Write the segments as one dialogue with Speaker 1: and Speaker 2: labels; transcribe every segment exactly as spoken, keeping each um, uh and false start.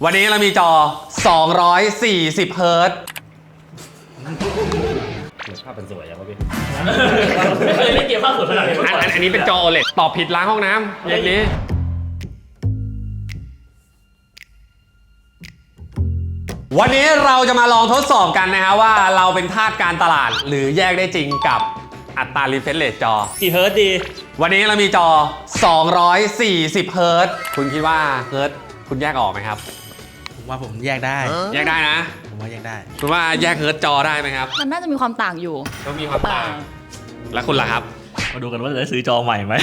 Speaker 1: วันนี้เรามีจอสองร้อยสี่สิบเฮิร์ตซ์
Speaker 2: ภาพเป็นสวยอย่างวะพี่
Speaker 3: ไม่เคยเล่นเกมภาพสวยขนาดนี้มาก่อน
Speaker 1: อันนี้เป็นจอ โอ แอล อี ดี ตอบผิดล้างห้องน้ำอย่างนี้วันนี้เราจะมาลองทดสอบกันนะฮะว่าเราเป็นทาสการตลาดหรือแยกได้จริงกับอัตรา refresh rate จอ
Speaker 3: กี่เฮิร์ตดี
Speaker 1: วันนี้เรามีจอสองร้อยสี่สิบเฮิร์ตซ์คุณคิดว่าเฮิร์ตซ์คุณแยกออกไหมครับ
Speaker 4: ผมว่าผมแยกได้
Speaker 1: แยกได้นะ
Speaker 4: ผมว่าแยกได้
Speaker 1: คุณว่าแยกเฮิร์ตซ์จอได้ไหมครับ
Speaker 5: มันน่าจะมีความต่างอยู่
Speaker 1: ต้องมีความต่างแล้วคุณล่ะครับ
Speaker 3: มาดูกันว่าจะได้ซื้อจอใหม่ไหม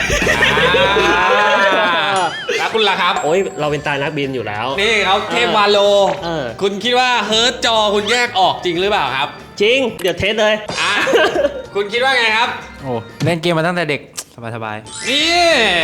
Speaker 1: แล้วคุณล่ะครับ
Speaker 2: โอ้ยเราเป็นตายนักบินอยู่แล้ว
Speaker 1: นี่เขาเทพวาโลคุณคิดว่าเฮิร์ตซ์จอคุณแยกออกจริงหรือเปล่าครับ
Speaker 2: จริงเดี๋ยวเทสเลย
Speaker 1: อ่ะคุณคิดว่าไงครับ
Speaker 4: โอ้เล่นเกมมาตั้งแต่เด็กสบาย
Speaker 1: ๆนี่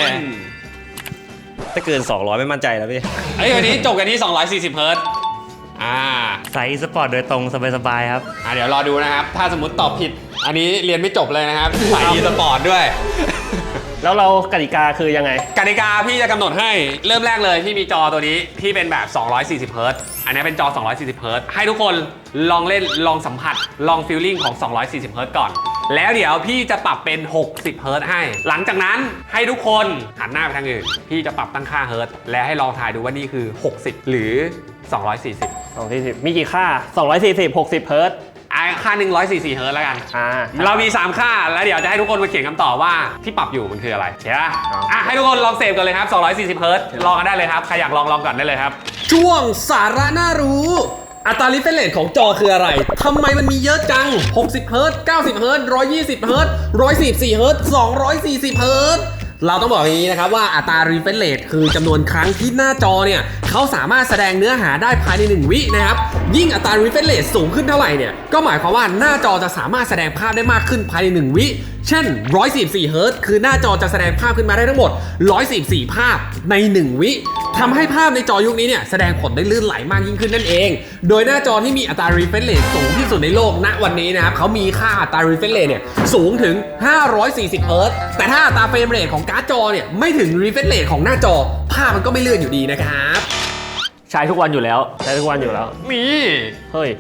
Speaker 2: ถ้าเกินสองร้อยไม่มั่นใจแล้วพี่
Speaker 1: ไอ้วันนี้จบกันที่สองร้อยสี่สิบเฮิร์ตซ์อ่า
Speaker 2: ใส่สปอร์ตโดยตรงสบายๆครับ
Speaker 1: อ่าเดี๋ยวรอดูนะครับถ้าสมมติตอบผิดอันนี้เรียนไม่จบเลยนะครับใส่อีสปอร์ตด้วย
Speaker 2: แล้วเรากติกาคือยังไง
Speaker 1: กติกาพี่จะกำหนดให้เริ่มแรกเลยที่มีจอตัวนี้ที่เป็นแบบสองร้อยสี่สิบเฮิร์ตซ์อันนี้เป็นจอสองร้อยสี่สิบเฮิร์ตซ์ให้ทุกคนลองเล่นลองสัมผัสลองฟีลลิ่งของสองร้อยสี่สิบเฮิร์ตซ์ก่อนแล้วเดี๋ยวพี่จะปรับเป็นหกสิบเฮิร์ตซ์ให้หลังจากนั้นให้ทุกคนหันหน้าไปทางอื่นพี่จะปรับตั้งค่าเฮิร์ตซ์และให้ลองทายดูว่านี่คือหกสิบหรือสองร้อยสี่สิบ
Speaker 2: สองร้อยสี่สิบมีกี่ค่าสองร้อยสี่สิบ หกสิบเฮิร์ตซ์
Speaker 1: ค่าหนึ่งร้อยสี่สิบเฮิร์ตซ์แล้วกันเรามีสามค่าแล้วเดี๋ยวจะให้ทุกคนมาเขียนคำตอบว่าที่ปรับอยู่มันคืออะไรใช่ไหมอ่ะให้ทุกคนลองเสพกันเลยครับสองร้อยสี่สิบเฮิร์ตซ์ลองกันได้เลยครับใครอยากลองลองก่อนได้เลยครับช่วงสาระน่ารู้อัตรา refresh rate ของจอคืออะไรทำไมมันมีเยอะจังหกสิบเฮิร์ตซ์เก้าสิบเฮิร์ตซ์หนึ่งร้อยยี่สิบเฮิร์ตซ์หนึ่งร้อยสี่สิบสี่เฮิร์ตซ์สองร้อยสี่สิบเฮิร์ตซ์เราต้องบอกอย่างนี้นะครับว่าอัตรา refresh rate คือจำนวนครั้งที่หน้าจอเนี่ยเขาสามารถแสดงเนื้อหาได้ภายในหนึ่งวินะครับยิ่งอัตรา refresh rate สูงขึ้นเท่าไหร่เนี่ยก็หมายความว่าหน้าจอจะสามารถแสดงภาพได้มากขึ้นภายในหนึ่งวิเช่นหนึ่งร้อยสี่สิบสี่เฮิร์ตซ์คือหน้าจอจะแสดงภาพขึ้นมาได้ทั้งหมดหนึ่งร้อยสี่สิบสี่ภาพในหนึ่งวิทำให้ภาพในจอยุคนี้เนี่ยแสดงผลได้ลื่นไหลมากยิ่งขึ้นนั่นเองโดยหน้าจอที่มีอัตรา refresh rate สูงที่สุดในโลกณวันนี้นะครับเขามีค่าอัตรา refresh rate เนี่ยสูงถึงห้าร้อยสี่สิบเฮิร์ตซ์แต่ถ้าอัตราเฟรมเรทของการ์ดจอเนี่ยไม่ถึง refresh rate ของหน้าจอภาพมันก็ไม่เลื่อนอยู่ดีนะครับ
Speaker 2: ใช้ทุกวันอยู่แล้วใช้ทุกวันอยู่แล้ว
Speaker 1: มี
Speaker 2: เฮ้ย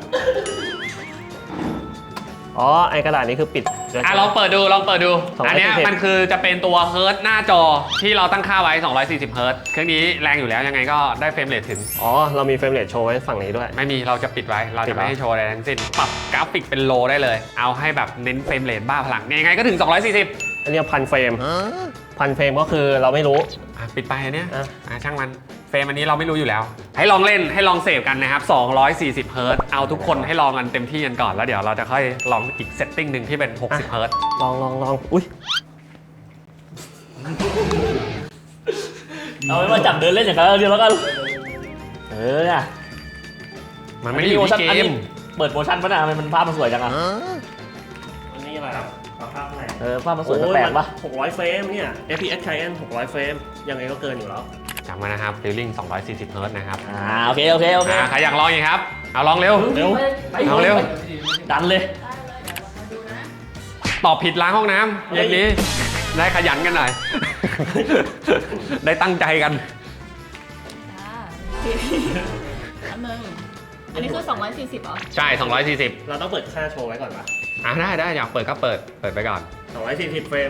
Speaker 2: อ๋อไอกระดาษนี้คือปิด
Speaker 1: อ่ะลองเปิดดูลองเปิดดูอันนี้มันคือจะเป็นตัวเฮิร์ตหน้าจอที่เราตั้งค่าไว้สองร้อยสี่สิบเฮิร์ตเครื่องนี้แรงอยู่แล้วยังไงก็ได้เฟรมเรทถึง
Speaker 2: อ๋อเรามีเฟรมเรทโชว์ไว้ฝั่งนี้ด้วย
Speaker 1: ไม่มีเราจะปิดไว้เราจะไม่ให้โชว์อะไรทั้งสิ้นปรับกราฟิกเป็นโลได้เลยเอาให้แบบเน้นเฟรมเรทบ้าพลังยังไงก็ถึงสองร้อยสี่สิบ
Speaker 2: อันนี้พันเฟรมพันเฟรมก็คือเราไม่รู้
Speaker 1: ปิดไปอันเนี้ยช่างมันเฟรมอันนี้เราไม่รู้อยู่แล้วให้ลองเล่นให้ลองเสพกันนะครับสองร้อยสี่สิบเฮิร์ตซ์เอาทุกคนให้ลองกันเต็มที่กันก่อนแล้วเดี๋ยวเราจะค่อยลองอีกเซตติ้งหนึ่งที่เป็นหกสิบเฮิร์ตซ์
Speaker 2: ลองลองลองอุ้ย
Speaker 3: เอาไว้มาจับเดินเล่นอย่างนั้นเดียวแล้วกัน
Speaker 2: เออเนี่ย
Speaker 1: มันไม่ได้อยู่ที่เกม
Speaker 3: เปิดโมชั่นป่ะนะทำไมมันภาพมันสวยจังอ่ะ
Speaker 2: อันนี้อะไรครับภาพไหนเออภาพมันสวยแปลกปะหกร้อยเฟรมเนี่ย เอฟ พี เอส Client หกร้อยเฟรมยังไงก็เกินอยู่แล้ว
Speaker 1: จำไว้นะครับฟีลลิ่งสองร้อยสี่สิบเฮิร์ตซ์นะครับ
Speaker 3: อ่าโอเคโอเคโอเค
Speaker 1: ใครอยากลองอีกครับเอาลองเร็ว
Speaker 3: เร็ว
Speaker 1: เอาเร็ว
Speaker 3: ดันเลย
Speaker 1: ตอบผิดล้างห้องน้ำอย่างนี้ได้ขยันกันหน่อยได้ตั้งใจกัน
Speaker 5: อันนึงอันนี้คือสองร้อยสี่สิบเหรอ
Speaker 1: ใช่สองร้อยสี่สิบ
Speaker 2: เราต้องเปิดค่าโชว์ไว้ก่อนปะ
Speaker 1: อ่ะได้ได้อยากเปิดก็เปิดเปิดไปก่อน
Speaker 2: สองร้อยสี่สิบเฟรม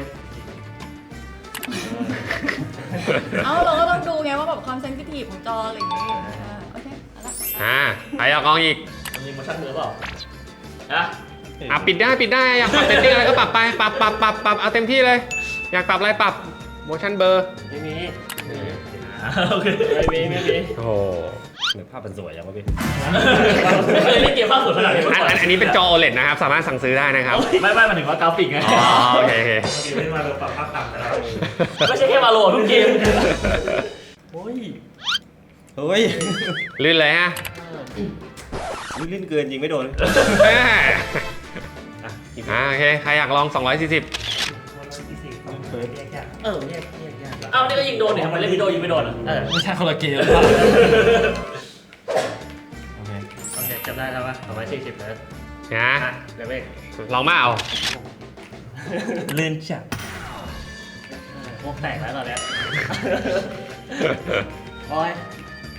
Speaker 5: เอ้าเราก็ต้องดูไงว่าแบบความเซนซิทีฟของจออะไรอย่างงี้โอเคเอาละ
Speaker 1: อ่าใครอยากลองอีก
Speaker 3: มีโมชั่นมือเปล่าอ่ะ
Speaker 1: อ่ะปิดได้ปิดได้อยากปรับเซตติ้งอะไรก็ปรับไปปรับปรับปรับปรับเอาเต็มที่เลยอยากปรับอะไรปรับโมชั่นเบอร์
Speaker 2: ไม่มี
Speaker 3: โอเค
Speaker 2: ไม่มีไม่มี
Speaker 1: โอ้
Speaker 2: หนึ่งภาพเป็นสวยอย่างวะพี่
Speaker 3: ไม่เคยเล่นเกมภาพสวยขนาดนี้มาก่อน
Speaker 1: อันนี้เป็นจอ โอ แอล อี ดี นะครับสามารถสั่งซื้อได้นะครับ
Speaker 3: ไม่ไม่มาถึงว่ากราฟิกไง
Speaker 1: อ๋อโอเคโอ
Speaker 2: เคไม่มาลงปรับภาพต่ำแล้ว
Speaker 3: ไม่ใช่แค่มาโหลดทุกเกม
Speaker 2: โอ้ยเฮ้ย
Speaker 1: ลื่นเลยฮะ
Speaker 2: ลื่นเกินยิงไม่โดน
Speaker 1: อ่าโอเคใครอยากลองสองร้อยสี่สิบ
Speaker 2: เออแยกแยกแยก
Speaker 3: เอ้านี่ก็ยิงโดนเนี่ยทำไมเล่นวิดีโอยิงไม่โดนอ่ะ
Speaker 2: เออไม่ใช่คนละเกมโอเคโอเคจำได้แล้วว่าสองร้อยสี่สิบนะ
Speaker 1: นะ
Speaker 2: เดี๋ยวเว้ย
Speaker 1: ลองมาเอา
Speaker 2: ลื่นจัดพวกแตกแล้วตอนนี้โอ้ย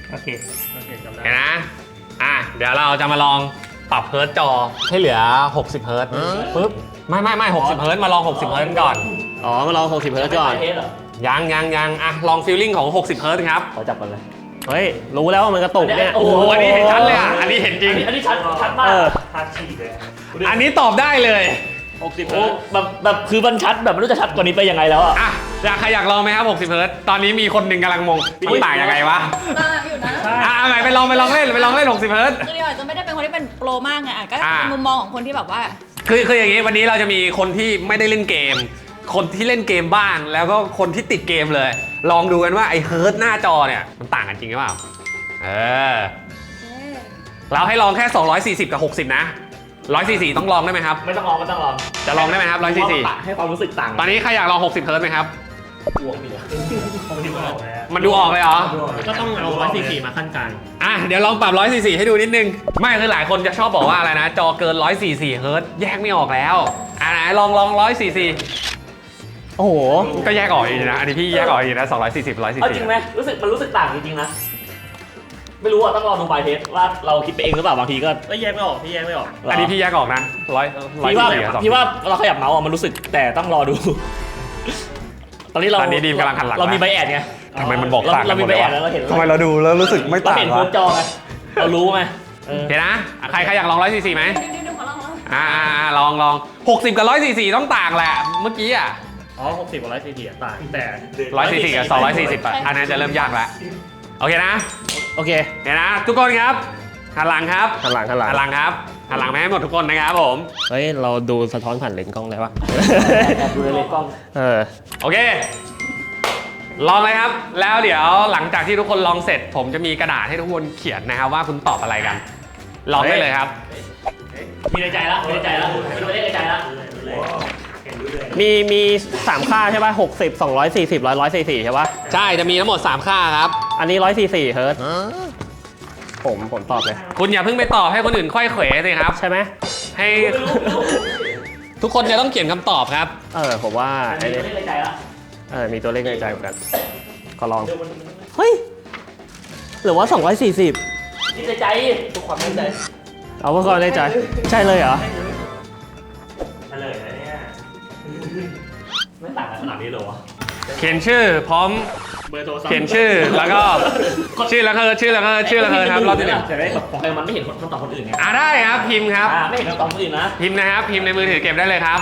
Speaker 2: โอเคโอเคจำได้
Speaker 1: เห็นนะอ่ะเดี๋ยวเราจะมาลองปรับเฮิร์ตจอให้เหลือหกสิบเฮิร์ตปึ๊บไม่ไม่ไม่หกสิบเฮิร์ตมาลองหกสิบเฮิร์ตก่อน
Speaker 2: อ๋อมาลองหกสิบเฮิร์ตก่อน
Speaker 3: เทสเหรอ
Speaker 1: ยังยังยังอ่ะลองฟีลลิ่งของหกสิบเฮิร์ตครับ
Speaker 3: ขอจับกันเลย
Speaker 2: เฮ้ยรู้แล้วว่ามันกระตุกเนี่ย
Speaker 3: โอ้
Speaker 1: โอ้
Speaker 3: โห
Speaker 1: โหอันนี้เห็นชัดเลยอ่ะอันนี้เห็นจริง
Speaker 3: อันนี้ชัดชัดมาก
Speaker 2: เออ
Speaker 1: อันนี้ตอบได้เลย
Speaker 2: หกสิบ
Speaker 3: โอ้
Speaker 2: เฮิร์ต
Speaker 3: แบบแบบคือมันชัดแบบไม่รู้จะชัดกว่านี้ไปยังไงแล้วอ่ะ
Speaker 1: อ่ะอยากใครอยากลองไหมครับหกสิบเฮิร์ตตอนนี้มีคนหนึ่งกำลังงงมันต่างยังไงวะ
Speaker 5: ตาอยู่นะ
Speaker 1: อ่ะเอาใหม่ไปลองไปลองเล่นไปลองเล่นหกสิบเฮิร์ต
Speaker 5: คือเดียวอาจจะไม่ได้เป็นคนที่เป็นโปรมากไงอ่ะก็
Speaker 1: อ่า
Speaker 5: เป็นมุมมองของคนที่แบบว่า
Speaker 1: คือคืออย่างนี้วันนี้เราจะมีคนที่ไม่ได้เล่นเกม คนที่เล่นเกมบ้างแล้วก็คนที่ติดเกมเลย ลองดูกันว่าไอ้เฮิร์ตหน้าจอเนี่ยมันต่างกันจริงหรือเปล่าเออเราให้ลองแค่สองร้อยสี่สิบกับหกสิบนะหนึ่งร้อยสี่สิบต้องลองได้ไหมครับ
Speaker 3: ไม่ต้องลองไม่ต้องลอง
Speaker 1: จะลองได้ไหมครับหนึ่งร้อยสี่สิบ
Speaker 3: ให้ความรู้สึกต่าง
Speaker 1: ตอนนี้ใครอยากลองหกสิบเฮิร์ตไหมครับ
Speaker 3: บวกดีอ่ะ
Speaker 1: มันดูออกเลยเหรอ
Speaker 2: ก็ต้องเอาร้อยสี่สี่มาขั้นกลาง
Speaker 1: อ่ะเดี๋ยวลองปรับหนึ่งร้อยสี่สิบให้ดูนิดนึงไม่คือหลายคนจะชอบบอกว่าอะไรนะจอเกินหนึ่งร้อยสี่สิบเฮิร์ตแยกไม่ออกแล้วอ่ะไหนลองลองหนึ่งร้อยสี่สิบ
Speaker 2: โอ้โห
Speaker 1: ก็แยกออกอีกนะ อันนี้พี่แยกออกอีกนะสองร้อยสี่สิบ หนึ่งร้อยสี่
Speaker 3: เอา
Speaker 1: สิบ
Speaker 3: จริงไหมรู้สึกมันรู้สึกต่างจริงๆนะ ไม่รู้อ่ะต้องลองดูบายเทสว่าเราคิดไปเองหรือเปล่าบางทีก็
Speaker 2: ก็แยกไม่ออกพี่แยกไม่ออก
Speaker 1: อันนี้พี่แยกออกนะร้อยร้อย
Speaker 3: พี่ว่า
Speaker 1: สี่กับสอง
Speaker 3: พี่ว่าเราขยับเมาส์อ่ะมันรู้สึกแต่ต้องรอดู ตอนนี้เรา
Speaker 1: ตอนนี้ดีมกำลังหันหลัง
Speaker 3: เรามีใบแอดไง
Speaker 1: ทำไมมันบอก
Speaker 3: เรา
Speaker 1: ต่างกั
Speaker 3: เรา
Speaker 1: นหม
Speaker 3: มี
Speaker 1: ด
Speaker 3: ใบ
Speaker 1: เลย
Speaker 3: แอ
Speaker 1: วะ
Speaker 3: ดแล้วเราเห็น
Speaker 1: ทำไมเราดูแล้วรู้สึกไม่
Speaker 3: เรา
Speaker 1: ต่าง
Speaker 3: เห็น
Speaker 1: วะ
Speaker 3: โค้ดจอไงเรารู้ไหมเออ
Speaker 1: เห็นนะใครใครอยากลองร้อยสี่สิบไหม
Speaker 5: ดึงดึงขอลองลอง
Speaker 1: อ่าอ่าอ่าลองลองหกสิบกับร้อยสี่สิบต้องต่างแหละเมื่อกี้อ่ะ
Speaker 2: อ๋อหกสิบกับร้อยสี่สิบต่างแต่
Speaker 1: ร้อยสี่สิบกับสองร้อยสี่สิบอ่ะอันนั้นจะเริ่มยากแล้วโอเคนะ
Speaker 2: โอเค
Speaker 1: เห็นนะทุกคนครับหันหลังครับ
Speaker 2: หันหลังหันหลัง
Speaker 1: หันหลังครับหันหลังมาให้หมดทุกคนนะครับผม
Speaker 2: เฮ้ยเราดูสะท้อนผ่านเลนส์กล้องได้ปะ
Speaker 3: แอบดูในเลนส์กล้อง
Speaker 2: เออ
Speaker 1: โอเค ลองเลยครับ แล้วเดี๋ยวหลังจากที่ทุกคนลองเสร็จ ผมจะมีกระดาษให้ทุกคนเขียนนะครับว่าคุณตอบอะไรกัน ลองได้เลยครับ
Speaker 3: มีในใจแล้วมีในใจแล้วมีตัวเลขในใจแล้ว
Speaker 2: มีมีสามค่าใช่ป่ะหกสิบสองร้อยสี่สิบร้อยร้อยสี่สี่ใช่ป่ะ
Speaker 1: ใช่จะมีทั้งหมด สาม ค่าครับ
Speaker 2: อันนี้ร้อยสี่สี่เฮิร์ตผมผมตอบเลย
Speaker 1: คุณอย่าเพิ่งไปตอบให้คนอื่นค่อยเขวสิครับ
Speaker 2: ใช่ไหม
Speaker 1: ให้ ทุกคนจะต้องเขียนคำตอบครับ
Speaker 2: เออผมว่า
Speaker 3: มี
Speaker 2: ไอ้
Speaker 3: ตัว
Speaker 2: นี่
Speaker 3: เลขในใจแล้ว
Speaker 2: เออมีตัวเลขในใจเหมือนกันขอลองเฮ้ยหรือว่าสองร้อยสี่สิบ
Speaker 3: มีในใจทุกความในใจ
Speaker 2: เอาว่าความในใจใช่เลยเหรอ
Speaker 3: เฉลยแล้วเนี่ยไม่ต่างกันขนาดนี้เลยวะ
Speaker 1: เขียนชื่อพร้อม
Speaker 2: เบอร์โทรศัพท์
Speaker 1: เขียนชื่อแล้วก็ชื่อแล้วก็ชื่อแล้วก็ชื่อแล้วก็ครับรอบที่หนึ่ง
Speaker 3: แต่ได้ของใครมันไม่เห็นคำตอบคนอื่นไง
Speaker 1: อ่าได้ครับพิมพ์ครับ
Speaker 3: อ่าไม่เห็นคำตอบคนอื่นนะ
Speaker 1: พิมพ์นะครับพิมพ์ในมือถือเก็บได้เลยครับ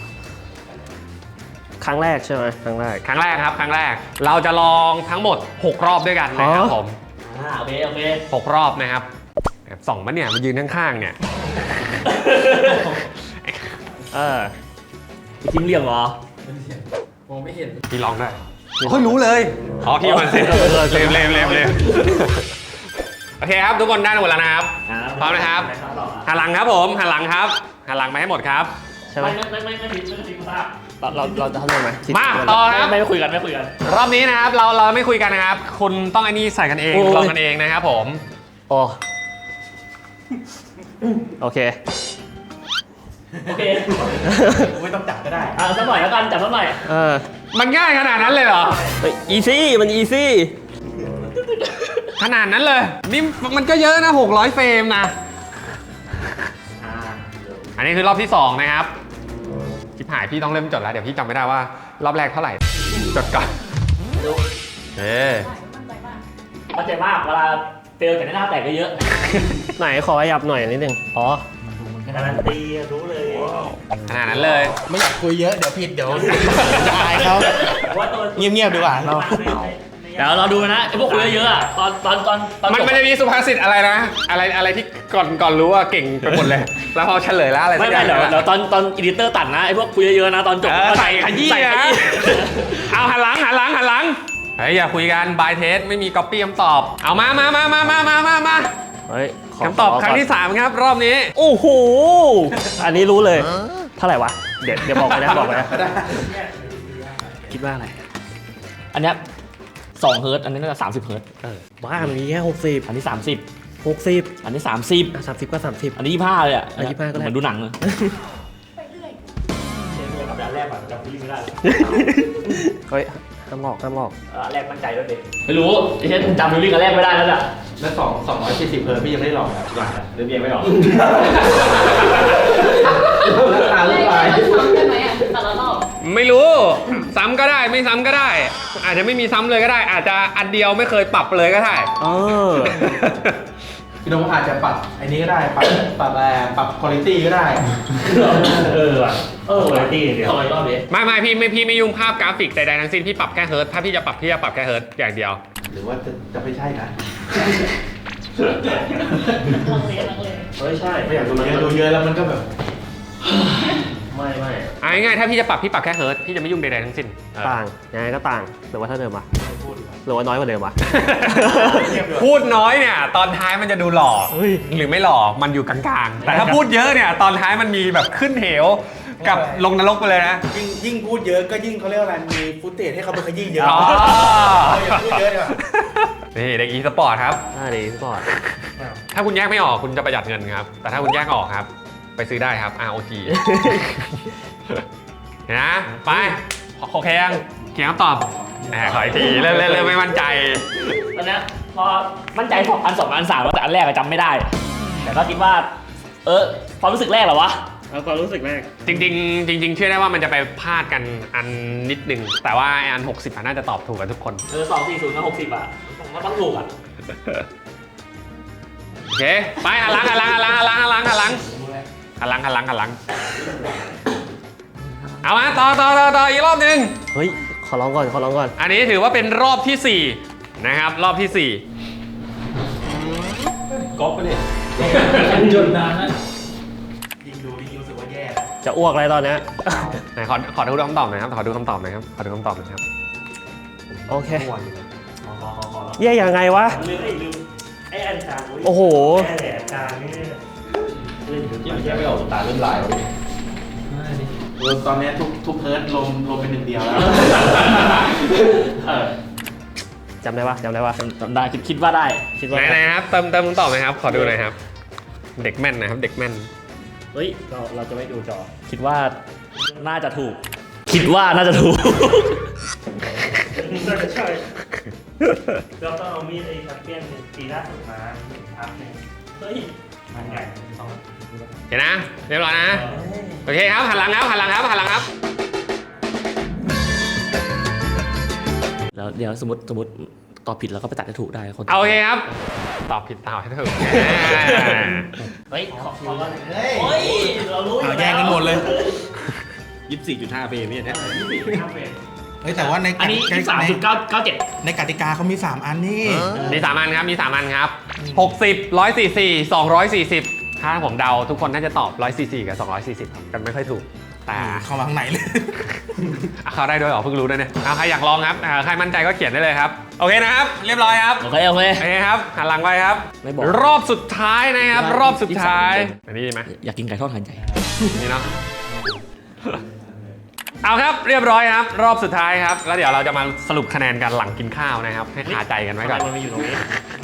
Speaker 2: ครั้งแรกใช่ไหมครั้งแรก
Speaker 1: ครั้งแรกครับครั้งแรกเราจะลองทั้งหมดหกรอบด้วยกันนะครับ
Speaker 2: อ๋อ
Speaker 1: ผม
Speaker 3: อ่าโอเคโอเค
Speaker 1: หกรอบนะครับแอบส่องมันเนี่ยมายืนข้างๆเนี่ย
Speaker 2: เออ
Speaker 3: จิ้มเหลี่ยมเหรอ
Speaker 1: พี่ลองได้เฮ้ยรู้เลยอ๋อพี่มันเซ็นเร็วเร็วเร็วเร็วโอเคครับทุกคนได้หมดแล้วนะครับ พร้อมนะครับ หันหลังครับผมหันหลังครับหันหลังไปให้หมดครับ
Speaker 2: ใช่ไหม
Speaker 3: ไม่ไม่ไม่ไม่ไม่ไม่ไม่ไม่ทราบ
Speaker 2: เราเราเราจะทำยังไง
Speaker 1: มาต่อครับ
Speaker 3: ไม่ไม่คุยกันไม่คุยกัน
Speaker 1: รอบนี้นะครับเราเราไม่คุยกันนะครับ คุณต้องไอ้นี่ใส่กันเองลองกันเองนะครับผม
Speaker 2: โอ้โอเค
Speaker 3: โอเคไม่ต้องจับก็ได้อ่าสักหน่อยแล้วกันจับสักหน่อย
Speaker 2: เออ
Speaker 1: มันง่ายขนาดนั้นเลยเหรอ
Speaker 2: อีซี่มันอีซี่
Speaker 1: ขนาดนั้นเลยนี่มันก็เยอะนะหกร้อยเฟรมนะ
Speaker 3: อ่า
Speaker 1: อันนี้คือรอบที่สองนะครับชิบหายพี่ต้องเริ่มจดแล้วเดี๋ยวพี่จำไม่ได้ว่ารอบแรกเท่าไหร่จดก่อน
Speaker 3: ดู
Speaker 1: เอ๊ะ
Speaker 3: เข้าใจมากเวลาเฟลแต่หน้าแตกก็เยอะ
Speaker 2: ไหนขอขยับหน่อยนิดนึงอ๋อ
Speaker 3: การันตีรู้เลย
Speaker 1: ขนาดนั้นเลย
Speaker 4: ไม่อยากคุยเยอะเดี๋ยวผิดเดี๋ยวจะอายเขา
Speaker 3: ว่าตัว
Speaker 4: เงียบๆดีกว่าเรา
Speaker 3: เดี๋ยวเราดูนะไอ้พวกคุยเยอะๆอ่ะตอนตอนตอนตอน
Speaker 1: มันมันจะมีสุภาษิตอะไรนะ อะไรอะไรที่ก่อนก่อนรู้ว่าเก่งไปหมดเลย แล้วพอเฉลยแล้วอะไรสั
Speaker 3: ไม่
Speaker 1: กอ
Speaker 3: ไม่
Speaker 1: ย่าง
Speaker 3: เดี๋ยวเดี๋ยวตอนตอนอีดิเตอร์ตัดนะไอ้พวกคุยเยอะๆนะตอนจบ
Speaker 1: เออใส่ขยี้
Speaker 3: ใส่ข
Speaker 1: นะ
Speaker 3: ยี้
Speaker 1: เอาหันหลังหันหลังหันหลังเฮ้ยอย่าคุยกันบายเทสไม่มีก๊อปปี้คำตอบเอามามามามามามามามา
Speaker 2: เฮ้ยข
Speaker 1: คำตอบครั้งที่สามครับรอบนี้
Speaker 2: โอ้โหอันนี้รู้เลย เท่าไหร่วะ เดี๋ยวเดี๋ยวบอกไปนะบอกไปนะคิดว่าอะไร
Speaker 3: อันเนี้ยสองเฮิร์ตอันนี้น่าจะสามสิบเฮิร์ต
Speaker 2: เออบ้ามันมีแค่หกสิบ
Speaker 3: อันนี้สามสิบ
Speaker 2: หกสิบ
Speaker 3: อันนี้สามสิบ
Speaker 2: สามสิบก็สามสิบ
Speaker 3: อันนี้ยี่ห้าเลยอ่ะ
Speaker 2: อันนี้ยี่สิบห้าก็ได้
Speaker 3: เหมือนดูหนังเลย
Speaker 5: ไปเรื่อย
Speaker 3: กับอันแรกอะจำพี่ไม่ได้
Speaker 2: เฮ้ยห้ามหลอกห้ามหลอก
Speaker 3: เออแรกมั่นใจด้วยดิไม่รู้ไอ้เช่นจำฟิลลิ่งกันแรกไม่ได้แล้วอ่ะ
Speaker 4: แล้วสองสองร้อยสี่สิบเฮิร์ตพี่ยังไม่ได้ลองครับ
Speaker 3: หรือเบียร์ไม่หรอ
Speaker 4: ราคา
Speaker 5: ไม่
Speaker 4: ลูก
Speaker 5: ได้
Speaker 4: ไป
Speaker 5: ซ้ำได้ไหมอ่ะแต่ละรอบ
Speaker 1: ไม่รู้ซ้ำก็ได้ไม่ซ้ำก็ได้ อาจจะไม่มีซ้ำเลยก็ได้ อาจจะอันเดียวไม่เคยปรับเลยก็ได้
Speaker 2: เออ
Speaker 4: พี่โดมอาจจะปรับไอ้นี้ก็ได้ ปรับปรับอะไรปรับคุณภาพก็ได้
Speaker 3: เออว่ะเออวันที่เดี๋ยวรอบนี้
Speaker 1: ไม่ไม่พี่ไม่พี่ไม่ยุ่งภาพกราฟิกใดๆทั้งสิ้นพี่ปรับแค่เฮิร์ตถ้าพี่จะปรับพี่จะปรับแค่เฮิร์ตอย่างเดียว
Speaker 4: หรือว่าจะจะไม่ใช่นะ
Speaker 2: เฮ้ยใช่
Speaker 4: ไม่อยากดูเยอะดูเยอะแล้วมันก็แบบ
Speaker 2: ไม่ไม่
Speaker 1: เอาง่ายๆถ้าพี่จะปรับพี่ปรับแค่เฮิร์ตพี่จะไม่ยุ่งใดๆทั้งสิ้นเออ
Speaker 2: ต่างยังไงก็ต่างหรือว่าเท่าเดิมวะหรือว่าน้อยกว่าเดิมวะ
Speaker 1: พูดน้อยเนี่ยตอนท้ายมันจะดูหล่อ
Speaker 2: เฮ้ย
Speaker 1: หรือไม่หล่อมันอยู่กลางๆ แต่ถ้าพูดเยอะเนี่ยตอนท้ายมันมีแบบขึ้นเหวกับลงนรกไปเลยนะ
Speaker 4: ยิ่งยิ่งพูดเยอะก็ยิ่งเขาเรียกว่าอะไร มีฟุตเทจให้เขาไปขยี้เยอะ
Speaker 1: อ๋อ
Speaker 4: อย่าพูดเยอะดีกว่า
Speaker 1: นี่เด็กอีสปอร์ตครับ
Speaker 2: อ่าดีสปอร์ต
Speaker 1: ถ้าคุณแยกไม่ออกคุณจะประหยัดเงินครับ แต่ถ้าคุณแยกออกครับ ไปซื้อได้ครับ อาร์ โอ จี เห็นนะ ไปโอเคยังเขียนคำตอบแหมขออีกทีเริ่มเริ่มเริ่มไม่มั่นใจ
Speaker 3: ตอนนี้พอมั่นใจสองอันสองอันสามแล้วแต่อันแรกอะจำไม่ได้ แต่ก็คิดว่า เออความรู้สึกแรกเหรอวะ
Speaker 2: เอาความรู้สึกแรก
Speaker 1: จริงๆจริงๆเชื่อได้ว่ามันจะไปพลาดกันอันนิดนึง แต่ว่าไอ้อัน หกสิบอะน่าจะตอบถูกกันทุกคน
Speaker 3: เออสองสี่ศูนย์กับหกสิบอะมันต้องถูกอะ
Speaker 1: โอเค ไปหันหลังหันหลังหันหลังหันหลังหันหลังหันหลังหันหลังหันหลังหันหลังเอามาต่อต่อต่อต่ออีกรอบหนึ่ง
Speaker 2: เฮ้ยขอร้องก่อนขอร้องก่อน
Speaker 1: อันนี้ถือว่าเป็นรอบที่สี่นะครับรอบที่สี่
Speaker 3: ก๊อปไปเลยจนนานนะ
Speaker 4: ยิ่งดูยิ่งรู้สึกว่าแย่
Speaker 2: จะอ้วกอะไรตอนเนี้ย
Speaker 1: ไหนขอขอดูคำตอบหน่อยครับขอดูคำตอบหน่อยครับขอดูคำตอบหน่อยครับ
Speaker 2: โอเคแย่ยังไงวะ
Speaker 3: ลืมไอ้ลืมไอ้อันกลาง
Speaker 2: โอ้โห
Speaker 3: แค่แหลกกลางนี่
Speaker 4: ยังแยกไม่ออกตาเริ่มลายแล้วตอนนี้ทุกทุกเฮิร์ตลงลงเป็นหนึ่งเดียวแล้ว
Speaker 2: จำได้ปะจำได้ปะ
Speaker 3: จำได้คิดคิดว่าได้
Speaker 2: คิดว่า
Speaker 1: ไหนไหนครับเติมเติมคำตอบหน่อยครับขอดูหน่อยครับ เด็กแม่นนะครับเด็กแม่น
Speaker 2: เฮ้ยเราเราจะไม่ดูจอ
Speaker 3: คิดว่าน่าจะถูก คิดว่าน่าจะถูก
Speaker 6: น่าจะใช่เราต้องเอามีดไอ้แชมเปี้ยนปีล่าสุดมาทับเนี่ย
Speaker 3: เฮ้ย
Speaker 6: มันใหญ่สอง
Speaker 1: เห็นนะเรียบร้อยนะโอเคครับหันหลังครับหันหลังครับหันหลังครับ
Speaker 3: แล้วเดี๋ยวสมมติสมมติตอบผิดแล้วก็ไปตัดให้ถูกได้คน
Speaker 1: เอาโอเคครับ ตอบผิดตอบให้ถูก
Speaker 3: เฮ้ยขอขอก่อน
Speaker 4: เฮ้ย
Speaker 3: เฮ้ยเรารู้อยู่
Speaker 4: เอาแย่งกันหมดเลย
Speaker 1: ยี่สิบสี่จุดห้าเฟรมเนี่ย
Speaker 6: ห้าเฟส
Speaker 4: เฮ้ยแต่ว่าใน
Speaker 3: อันนี้
Speaker 4: ใน
Speaker 3: สามจุดเก้าเก้าเจ็ด
Speaker 4: ในกติกาเขามีสามอันนี่
Speaker 1: มีสามอันครับมีสามอันครับหกสิบ หนึ่งร้อยสี่สิบ สองร้อยสี่สิบถ้าผมเดาทุกคนน่าจะตอบหนึ่งร้อยสี่สิบกับสองร้อยสี่สิบกันไม่ค่อยถูกแต่
Speaker 4: เข้ามาข้างในเลย
Speaker 1: อ่ะเขาได้ด้วยเหรอเพิ่งรู้ด้วยเนี่ยเอาใครอยากลองครับอ่าใครมั่นใจก็เขียนได้เลยครับโอเคนะครับเรียบร้อยครับ
Speaker 3: โอเคโอเค
Speaker 1: โอเคครับหันหลังไปครับ
Speaker 3: ไม่บอก
Speaker 1: รอบสุดท้ายนะครับ
Speaker 3: ยี่สิบ
Speaker 1: รอบสุดท้าย
Speaker 3: ยี่สิบสาม
Speaker 1: อันนี้ดีไหม
Speaker 3: อยากกินไก่ทอดหันใจ
Speaker 1: นี่เนาะเอาครับเรียบร้อยครับ รอบสุดท้ายครับ แล้วเดี๋ยวเราจะมาสรุปคะแนนกันหลังกินข้าวนะครับ ให้คาใจกันไว้ก่อน
Speaker 2: มันมีอยู่ตรงนี้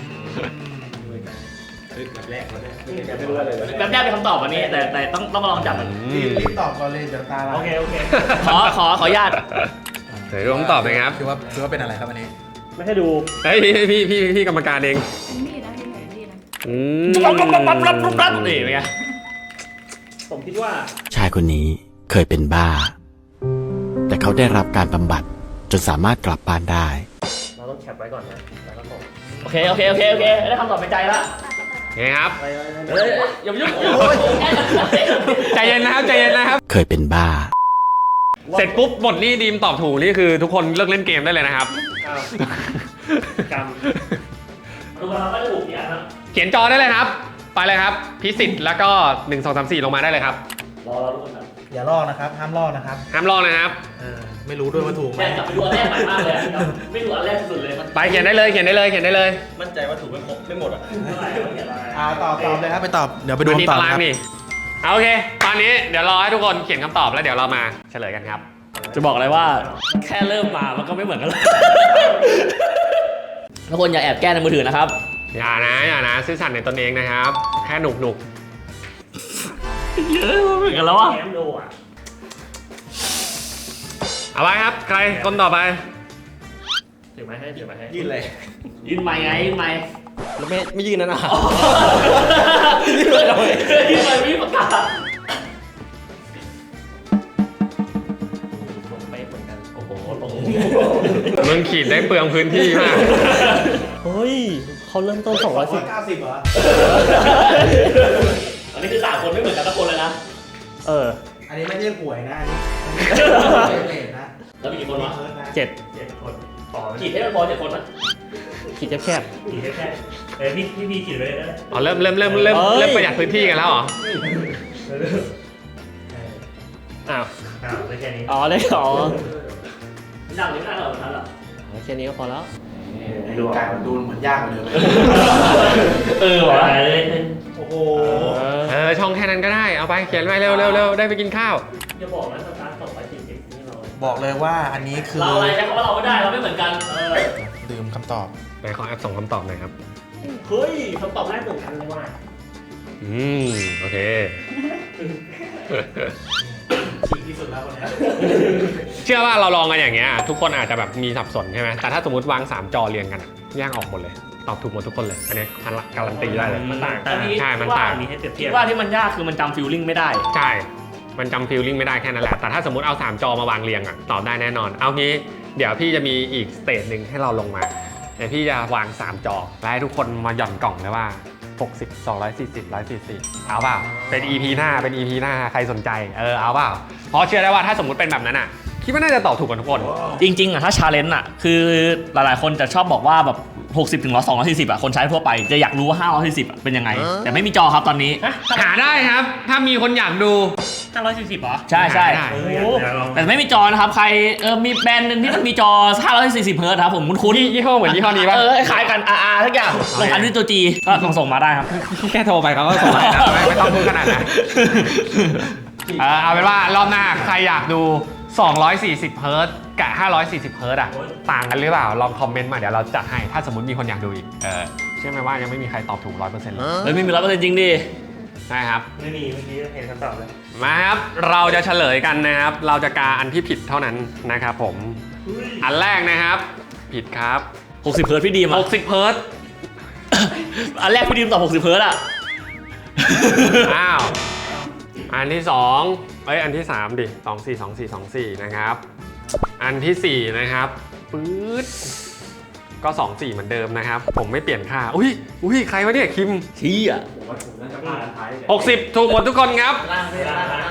Speaker 4: แบบแรกแบบแรก
Speaker 3: แบบแรกเป็นคำตอบวันนี้แต่แต่ต้องต้องมาลองจับมัน
Speaker 1: อืม
Speaker 4: รีบตอบก่อนเลยเดี๋ยวตาลาย
Speaker 6: โอเค โอเค
Speaker 3: ขอขอขออนุญาต
Speaker 1: เดี๋ยวดูคำตอบหนะครับ
Speaker 4: คือว่าคือว่าเป็นอะไรครับอันนี้
Speaker 2: ไม่ให้ดู
Speaker 1: เฮ้ยพี่พี่พี่พี่กรรมการเอง
Speaker 5: เป็นมีดนะเป็นมีดนะ
Speaker 1: อืม
Speaker 3: ปั๊บปั๊บปั๊บปั๊บปั๊บปั๊บนี่เป็นไง
Speaker 2: ผมคิดว่า
Speaker 7: ชายคนนี้เคยเป็นบ้า แต่เขาได้รับการบำบัดจนสามารถกลับบ้านได้
Speaker 2: เราต้องแคปไว้ก่อนนะแล้วก็ส่ง
Speaker 3: โอเคโอเคโอเคโอเคได้คำตอบในใจละ
Speaker 1: โอเคครับ
Speaker 2: ไปไปไป
Speaker 3: เฮ้ยอย่ามายุ่ง
Speaker 1: ใจเย็นนะครับใจเย็นนะครับ
Speaker 7: เคยเป็นบ้า
Speaker 1: เสร็จปุ๊บหมดนี่ดีมตอบถูกนี่คือทุกคนเลิกเล่นเกมได้เลยนะครับ
Speaker 2: อ้าวกรรม
Speaker 3: ดูมาไม่ถูกเนี่ยนะ
Speaker 1: เขียนจอได้เลยครับ ไปเลยครับ พิสิทธิ์แล้วก็หนึ่ง สอง สาม สี่ลงมาได้เลยครับ
Speaker 3: รอเราทุกคนนะ
Speaker 4: อย่าลอกนะครับ ห้ามลอกนะครับ
Speaker 1: ห้ามลอกนะครับ
Speaker 4: เออ ไม่รู้ด้วยว่าถูกไหม
Speaker 3: แม่กลับไปดูอันแรกใหม่มากเลยไม่ดูอันแรกสุดเลยมัน
Speaker 1: ไปเขียนได้เลยเขียนได้เลยเขียนได้เลย
Speaker 6: มั่นใจว่าถูกไม่ครบไม่หมดอ่ะ
Speaker 3: เท่าไหร่เขาเขียนอะไร
Speaker 4: อ่าตอบตอบเลยครับไปตอบ เดี๋ยวไปดู
Speaker 1: มันมี
Speaker 4: คำตอบ
Speaker 1: ตาราง
Speaker 4: ครับ
Speaker 1: นี่เอาโอเค ตอนนี้เดี๋ยวรอให้ทุกคนเขียนคำตอบแล้วเดี๋ยวเรามาเฉลยกันครับ
Speaker 3: จะบอกอะไรว่าแค่เริ่มมามันก็ไม่เหมือนกันเลยทุกคนอย่าแอบแก้ในมือถือนะครับ
Speaker 1: อย่านะอย่านะซื่อสัตย์ในตนเองนะครับ แค่หนุกหนุก
Speaker 3: เยอะเหมือนกันแล้วอ่ะ
Speaker 6: แง้มดูอ่ะ
Speaker 1: เอาไว้ครับ ใครคนต่อไป
Speaker 2: ถือไม้ให้ถือไม้ให้
Speaker 4: ยื่นเลย
Speaker 3: ยืนไม้ไงยืนไม้
Speaker 2: แล้วไม่ไม่ยืนนั่นนะ
Speaker 3: ยืนไม้ยืนไม้ไม่ประกาศ
Speaker 2: ผมไปเหมือนกัน
Speaker 3: โอ้โหตรง
Speaker 1: มึงขีดได้เปลืองพื้นที่มาก
Speaker 2: เฮ้ยเขาเริ่มต้นสองร้อยสิบ
Speaker 4: เก้าสิบเหรอ
Speaker 3: อันนี้คือสามคนไม่เหมือนกันทุกคนเลยนะ
Speaker 2: เออ
Speaker 4: อันนี้ไม่ใช่หวยนะอันนี้เลทนะ
Speaker 3: แล้วมีกี่คนวะ
Speaker 4: เฮิร์ตนะ
Speaker 2: เจ็ด
Speaker 6: เจ็ดคนต่อ
Speaker 3: ขีดให้มันพอเจ็ดคนนะ
Speaker 2: ขีดแคบ
Speaker 6: ขีดแค่เอ้ยพี่พี่พี่ขีดไปเลยนะ
Speaker 1: อ๋อเริ่มเริ่มเริ่มเริ่ม
Speaker 2: เอ้ย
Speaker 1: เริ่มประหยัดพื้นที่กันแล้วเหรอ
Speaker 2: ๆอ้าว
Speaker 6: อ้าวได้แค่นี้
Speaker 2: อ๋อได้อ๋อ
Speaker 3: ดังนี้ไม่ได้หรอกทันหรอ
Speaker 2: แค่นี้ก็พอแล้ว
Speaker 4: ดูการดูเหมือนยากกว่าเดิมเลย
Speaker 3: เออวะ
Speaker 4: โอ้โห
Speaker 1: เออช่องแค่นั้นก็ได้เอาไปเขียนไปเร็วเร็วเร็วได้ไปกินข้าว
Speaker 3: อย่าบอกนะสตาร์ทสองร้อยสี่สิบนี่เรา
Speaker 4: บอกเลยว่าอันนี้คือ
Speaker 3: เราอะไรใช้คำว่าเราไม่ได้เราไม่เหมือนกันเออ
Speaker 4: ลืมคำตอบ
Speaker 1: ไหนขอแอปส่งคำตอบหน่อยครับ
Speaker 3: เฮ้ยคำตอบแรกเหมือนกันเลยว่ะ
Speaker 1: อืมโอเค
Speaker 4: ฉีกที่สุดแล้ววันนี้
Speaker 1: เชื่อว่าเราลองกันอย่างเงี้ยทุกคนอาจจะแบบมีสับสนใช่ไหมแต่ถ้าสมมติวางสามจอเรียงกันอะแยกออกหมดเลยตอบถูกหมดทุกคนเลยอันนี้การันตีได้เลย
Speaker 2: มันต่าง
Speaker 1: ใช่มันต่าง
Speaker 6: อันนี้ให้เปรียบ
Speaker 3: คิ
Speaker 6: เทีย
Speaker 3: ด
Speaker 6: บ
Speaker 3: ว่าที่มันยากคือมันจำฟิลลิ่งไม่ได้
Speaker 1: ใช่ มันจำฟีลลิ่งไม่ได้แค่นั้นแหละ แต่ถ้าสมมติเอาสามจอมาวางเรียงอะตอบได้แน่นอน เอางี้เดี๋ยวพี่จะมีอีกสเตจหนึ่งให้เราลงมา เดี๋ยวพี่จะวางสามจอแล้วให้ทุกคนมาหย่อนกล่องเลยว่า หกสิบ สองร้อยสี่สิบ หนึ่งร้อยสี่สิบ เอาเปล่า เป็น อี พี หน้า เป็น อี พี หน้า ใครสนใจ เออ เอาเปล่า เพราะเชื่อได้ว่าถ้าสมมติเป็นแบบนั้นอะคิดว่าน่าจะตอบถูกกันทุกคน
Speaker 3: จริงๆอ่ะถ้าชาเลนจ์อ่ะคือหลายๆคนจะชอบบอกว่าแบบหกสิบถึงสองร้อยสี่สิบอ่ะคนใช้ทั่วไปจะอยากรู้ว่าห้าร้อยสี่สิบอ่ะเป็นยังไง แต่ไม่มีจอครับตอนนี้
Speaker 1: หาได้ครับ ถ้ามีคนอยากดู
Speaker 3: ห้าร้อยสี่สิบเหรอใช่ใช่
Speaker 1: ได้
Speaker 6: เออ
Speaker 3: โอ้
Speaker 6: อยากอยากลอง
Speaker 3: แต่ไม่มีจอนะครับใครเออมีแบรนด์หนึ่งที่มันมีจอห้าร้อยสี่สิบเฮิร์ตซ์ครับผมคุ้น
Speaker 1: ยี่ยี่ห้อเหมือนยี่ห้อนี้ป่ะ
Speaker 3: เออคล้ายกัน อาร์ อาร์ ทุกอย่างลงทันด้วยตัวจีก็ลองส่งมาได้ครับ
Speaker 1: แค่โทรไปเขาก็ส่งมาแล้วไม่ไม่ต้องพูดขนาดนั้นเออเอาเป็นว่ารอบหน้าใครอยากดู สองร้อยสี่สิบ เฮิร์ตซ์กับ ห้าร้อยสี่สิบ เฮิร์ตซ์อ่ะ ต่างกันหรือเปล่า ลองคอมเมนต์มาเดี๋ยวเราจัดให้ ถ้าสมมติมีคนอยากดูอีก เออเชื่อไหมว่ายังไม่มีใครตอบถูก ร้อยเปอร์เซ็นต์ เลย
Speaker 3: เฮ้ยไม่มีร้อยเปอร์เซ็นต์จริงดิ
Speaker 1: ใช่ครับ
Speaker 6: ไม่มีเมื่อกี้เห็นคำตอบแล้ว
Speaker 1: มาครับ เราจะเฉลยกันนะครับ เราจะกาอันที่ผิดเท่านั้นนะครับผม อันแรกนะครับ ผิดครับ
Speaker 3: หกสิบเฮิร์ตซ์พี่ดีมอ่ะ
Speaker 1: หกสิบ เฮิร์ตซ์
Speaker 3: อันแรกพี่ดีมตอบหกสิบเฮิร์ตซ์อ่ะ
Speaker 1: อ้าว อันที่สองเอ้ย อันที่สามดิสองสี่สองสี่สองสี่นะครับ อันที่สี่นะครับปื๊ดก็สองสี่เหมือนเดิมนะครับ ผมไม่เปลี่ยนค่า อุ้ย อุ้ย ใครวะเนี่ย คิม
Speaker 3: ชี้อ่ะ
Speaker 1: หกสิบ ถูกหมดทุกคนครับ
Speaker 4: ล่างไม่ล่างล่าง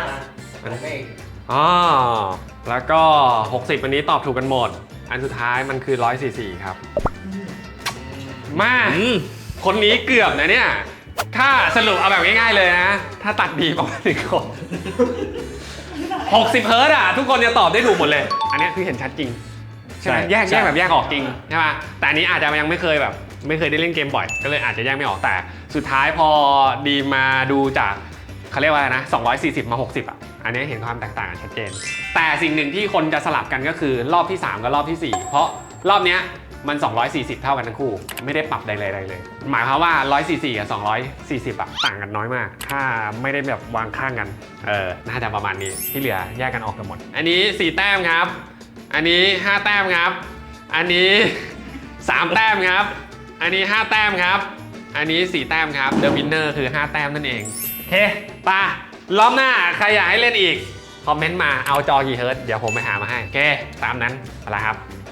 Speaker 1: อ๋อ แล้วก็หกสิบอันนี้ตอบถูกกันหมด อันสุดท้ายมันคือหนึ่งร้อยสี่สิบสี่ครับ มา
Speaker 3: อืม
Speaker 1: คนนี้เกือบนะเนี่ย ถ้าสรุปเอาแบบง่ายๆเลยนะ ถ้าตัดดีประมาณหนึ่งคนหกสิบ เฮิร์ตซ์อ่ะ ทุกคนจะตอบได้ถูกหมดเลย อันนี้คือเห็นชัดจริง ใช่ไหม
Speaker 3: ใช่
Speaker 1: แยก
Speaker 3: ใช่
Speaker 1: แยกแบบแยกออกจริงใช่ไหมแต่อันนี้อาจจะยังไม่เคยแบบ ไม่เคยได้เล่นเกมบ่อย ก็เลยอาจจะแยกไม่ออกแต่ สุดท้ายพอดีมาดูจากเขาเรียกว่าอะไรนะสองร้อยสี่สิบมาหกสิบอ่ะ อันนี้เห็นความแตกต่างกันชัดเจน แต่สิ่งหนึ่งที่คนจะสลับกันก็คือรอบที่สามกับรอบที่สี่เพราะรอบเนี้ยมันสองร้อยสี่สิบเท่ากันทั้งคู่ไม่ได้ปรับใดๆเลย หมายความว่าหนึ่งร้อยสี่สิบสี่กับสองร้อยสี่สิบอ่ะต่างกันน้อยมาก ถ้าไม่ได้แบบวางข้างกันเออน่าจะประมาณนี้ที่เหลือแยกกันออกกันหมด อันนี้สี่แต้มครับ อันนี้ห้าแต้มครับ อันนี้สามแต้มครับ อันนี้ห้าแต้มครับ อันนี้สี่แต้มครับ The Winner คือห้าแต้มนั่นเองโอเคไป่ะรอบหน้าใครอยากให้เล่นอีกคอมเมนต์มาเอาจอกี่เฮิร์ตซ์เดี๋ยวผมไปหามาให้โอเคตามนั้นเอาละครับ